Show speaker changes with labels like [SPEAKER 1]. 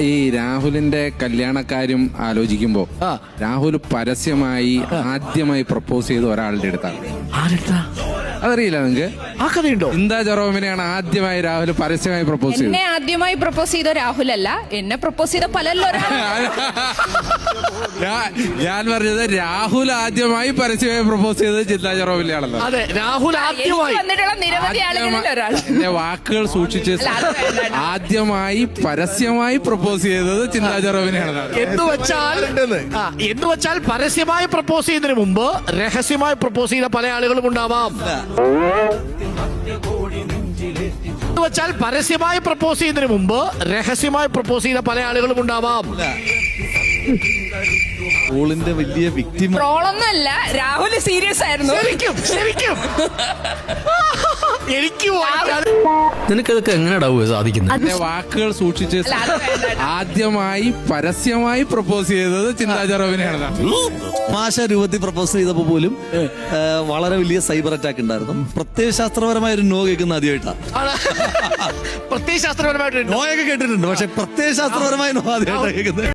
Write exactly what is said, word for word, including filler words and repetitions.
[SPEAKER 1] ഈ രാഹുലിന്റെ കല്യാണക്കാര്യം ആലോചിക്കുമ്പോ രാഹുൽ പരസ്യമായി ആദ്യമായി പ്രപ്പോസ് ചെയ്ത ഒരാളുടെ അടുത്താണ്. അതറിയില്ല നിങ്ങക്ക്?
[SPEAKER 2] ആ കഥയുണ്ടോ?
[SPEAKER 1] ചിന്താ ജെറോമിനെയാണ് ആദ്യമായി രാഹുൽ പരസ്യമായി പ്രപ്പോസ് ചെയ്തത്.
[SPEAKER 3] എന്നെ ആദ്യമായി പ്രപ്പോസ് ചെയ്ത രാഹുൽ അല്ല, എന്നെ പ്രപ്പോസ് ചെയ്ത പലല്ലോ.
[SPEAKER 1] ഞാൻ പറഞ്ഞത് രാഹുൽ ആദ്യമായി പരസ്യമായി പ്രപ്പോസ് ചെയ്തത് ചിന്താ ജെറോമിനെയാണല്ലോ.
[SPEAKER 2] അതെ, രാഹുൽ ആദ്യമായി
[SPEAKER 3] വന്നിട്ടുള്ള നിരവധി ആളുകളിൽ ഒരാൾ.
[SPEAKER 1] എന്റെ വാക്കുകൾ സൂക്ഷിച്ച് ആദ്യമായി പരസ്യമായി പ്രപ്പോസ് ചെയ്തത് ചിന്താ ജെറോമിനെയാണ്.
[SPEAKER 2] എന്ന് വെച്ചാൽ ആ, എന്ന് വെച്ചാൽ പരസ്യമായി പ്രപ്പോസ് ചെയ്യുന്നതിന് മുമ്പ് രഹസ്യമായി പ്രപ്പോസ് ചെയ്ത പല ആളുകളും ഉണ്ടാവാം. എന്ന് വെച്ചാൽ പരസ്യമായി പ്രപ്പോസ് ചെയ്യുന്നതിന് മുമ്പ് രഹസ്യമായി പ്രപ്പോസ് ചെയ്ത പല ആളുകളും ഉണ്ടാവാം.
[SPEAKER 4] ട്രോളിന്റെ വലിയ വിക്ടിം
[SPEAKER 3] ട്രോളൊന്നുമല്ല, രാഹുൽ സീരിയസ് ആയിരുന്നു.
[SPEAKER 2] ശരിക്കും ശരിക്കും എനിക്ക്
[SPEAKER 5] നിനക്കതൊക്കെ എങ്ങനെയാ സാധിക്കുന്നത്?
[SPEAKER 1] എന്റെ വാക്കുകൾ സൂക്ഷിച്ച് ആദ്യമായി പരസ്യമായി പ്രപ്പോസ് ചെയ്തത് ചിന്താ ജെറോമിനെയാണ്.
[SPEAKER 4] തമാശ രൂപത്തിൽ പ്രപ്പോസ് ചെയ്തപ്പോ പോലും വളരെ വലിയ സൈബർ അറ്റാക്ക് ഉണ്ടായിരുന്നു. പ്രത്യയശാസ്ത്രപരമായ ഒരു നോ കേൾക്കുന്ന ആദ്യമായിട്ടാണ്.
[SPEAKER 2] പ്രത്യയശാസ്ത്രപരമായിട്ട്
[SPEAKER 4] നോയൊക്കെ കേട്ടിട്ടുണ്ട്, പക്ഷെ പ്രത്യയശാസ്ത്രപരമായ നോ ആദ്യമായിട്ടാണ് കേൾക്കുന്നത്.